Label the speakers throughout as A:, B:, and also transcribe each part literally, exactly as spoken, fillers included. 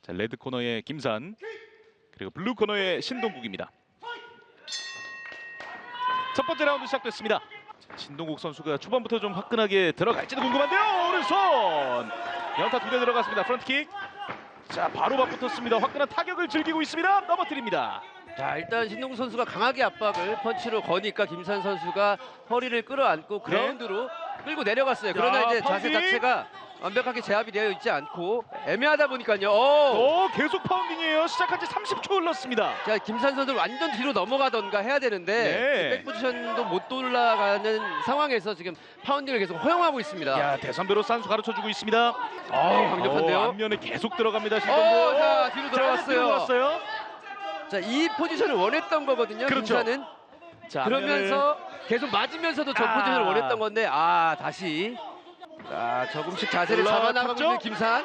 A: 자, 레드 코너의 김산, 그리고 블루 코너의 신동국입니다. 첫 번째 라운드 시작됐습니다. 자, 신동국 선수가 초반부터 좀 화끈하게 들어갈지도 궁금한데요. 오른손 연타 두 대 들어갔습니다. 프런트킥. 자, 바로 맞붙었습니다. 화끈한 타격을 즐기고 있습니다. 넘어뜨립니다.
B: 자, 일단 신동국 선수가 강하게 압박을 펀치로 거니까 김산 선수가 허리를 끌어안고 그라운드로 끌고 내려갔어요. 그러나
A: 자,
B: 이제 자세
A: 파운딩.
B: 자체가 완벽하게 제압이 되어 있지 않고 애매하다 보니까요. 오!
A: 오, 계속 파운딩이에요. 시작한 지 삼십 초 흘렀습니다.
B: 자, 김산 선수 완전 뒤로 넘어가던가 해야 되는데
A: 네.
B: 백 포지션도 못 돌아가는 상황에서 지금 파운딩을 계속 허용하고 있습니다.
A: 야, 대선배로 산수 가르쳐주고 있습니다.
B: 어우, 강력한데요.
A: 어, 앞면에 계속 들어갑니다.
B: 어,
A: 신동국.
B: 자, 뒤로 들어갔어요.
A: 뒤로 들어갔어요.
B: 자, 이 포지션을 원했던 거거든요.
A: 그렇죠.
B: 김산은.
A: 자,
B: 그러면서 계속 맞으면서도 저
A: 아.
B: 포지션을 원했던 건데 아, 다시 자, 조금씩 자세를 잡아나가고
A: 올라갔죠?
B: 있는 김산.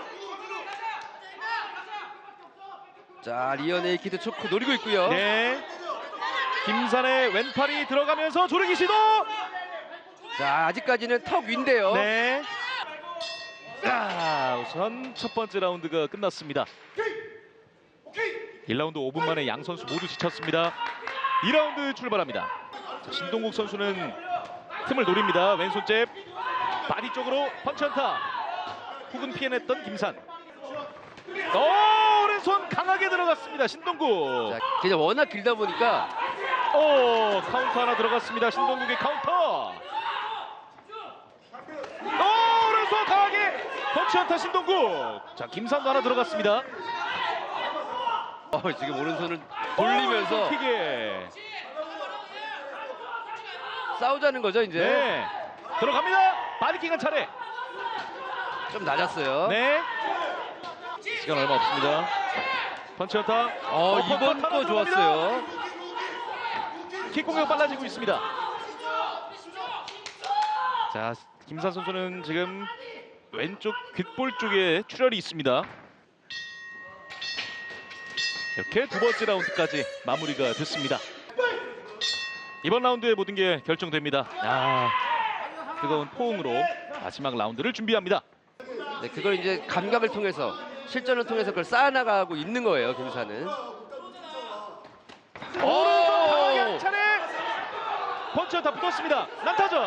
B: 자, 리어 네이키드 초크 노리고 있고요.
A: 네. 김산의 왼팔이 들어가면서 조르기 시도.
B: 자, 아직까지는 턱 위인데요.
A: 네. 자, 우선 첫 번째 라운드가 끝났습니다. 일 라운드 오 분 만에 양 선수 모두 지쳤습니다. 이 라운드 출발합니다. 자, 신동국 선수는 틈을 노립니다. 왼손 잽, 바디 쪽으로 펀치 안타. 훅은 피해냈던 김산. 오, 오른손 강하게 들어갔습니다. 신동국.
B: 자, 그냥 워낙 길다 보니까
A: 오, 카운터 하나 들어갔습니다. 신동국의 카운터. 오, 오른손 강하게 펀치 안타 신동국. 자, 김산도 하나 들어갔습니다.
B: 어, 지금 오른손을 돌리면서
A: 킥에.
B: 싸우자는 거죠, 이제.
A: 네. 들어갑니다. 바디킥 한 차례.
B: 좀 낮았어요.
A: 네. 시간 얼마 없습니다. 펀치 안타.
B: 어,
A: 어퍼컷
B: 이번
A: 하나
B: 거
A: 들어갑니다.
B: 좋았어요.
A: 킥 공격 빨라지고 있습니다. 자, 김산 선수는 지금 왼쪽 귓볼 쪽에 출혈이 있습니다. 이렇게 두 번째 라운드까지 마무리가 됐습니다. 이번 라운드의 모든 게 결정됩니다. 아, 뜨거운 포옹으로 마지막 라운드를 준비합니다.
B: 네, 그걸 이제 감각을 통해서 실전을 통해서 그걸 쌓아나가고 있는 거예요, 김산은.
A: 오른손 강하게 한 차례 펀치 다 붙었습니다. 난타전.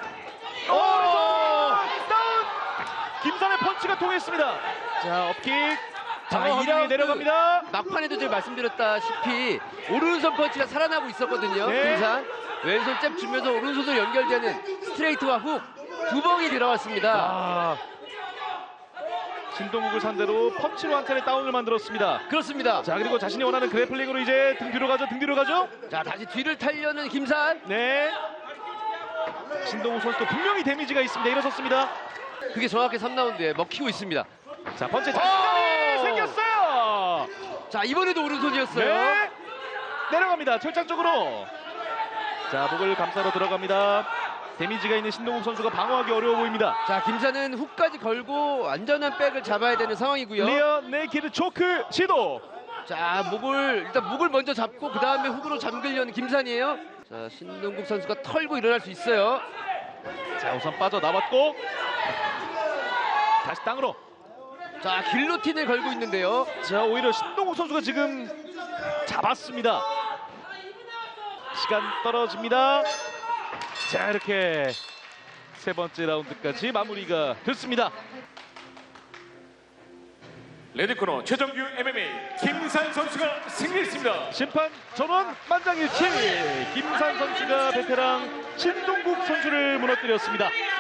A: 오른손 다운. 김산의 펀치가 통했습니다. 자, 업킥.
B: 자,
A: 자,
B: 이
A: 이 라운드 내려갑니다.
B: 막판에도 제가 말씀드렸다시피 오른손 펀치가 살아나고 있었거든요.
A: 네.
B: 김산 왼손 잽 주면서 오른손으로 연결되는 스트레이트와 훅 두 번이 들어왔습니다.
A: 아, 신동국을 상대로 펀치로 한 차례 다운을 만들었습니다.
B: 그렇습니다.
A: 자, 그리고 자신이 원하는 그래플링으로 이제 등 뒤로 가죠. 등 뒤로 가죠.
B: 자, 다시 뒤를 타려는 김산.
A: 네. 신동국 선수도 분명히 데미지가 있습니다. 일어섰습니다.
B: 그게 정확히 삼 라운드에 먹히고 있습니다.
A: 자, 펀치
B: 오!
A: 자신감이 생겼어요.
B: 자, 이번에도 오른손이었어요.
A: 네. 내려갑니다. 철장 쪽으로. 자, 목을 감싸러 들어갑니다. 데미지가 있는 신동국 선수가 방어하기 어려워 보입니다.
B: 자, 김산은 훅까지 걸고 안전한 백을 잡아야 되는 상황이고요.
A: 리어 네이키드 초크 시도.
B: 자, 목을 일단 목을 먼저 잡고 그 다음에 훅으로 잠그려는 김산이에요. 자, 신동국 선수가 털고 일어날 수 있어요.
A: 자, 우선 빠져나왔고 다시 땅으로.
B: 자, 길로틴을 걸고 있는데요.
A: 자, 오히려 신동국 선수가 지금 잡았습니다. 시간 떨어집니다. 자, 이렇게 세 번째 라운드까지 마무리가 됐습니다.
C: 레드코너 최정규 엠엠에이 김산 선수가 승리했습니다.
A: 심판 전원 만장일치. 김산 선수가 베테랑 신동국 선수를 무너뜨렸습니다.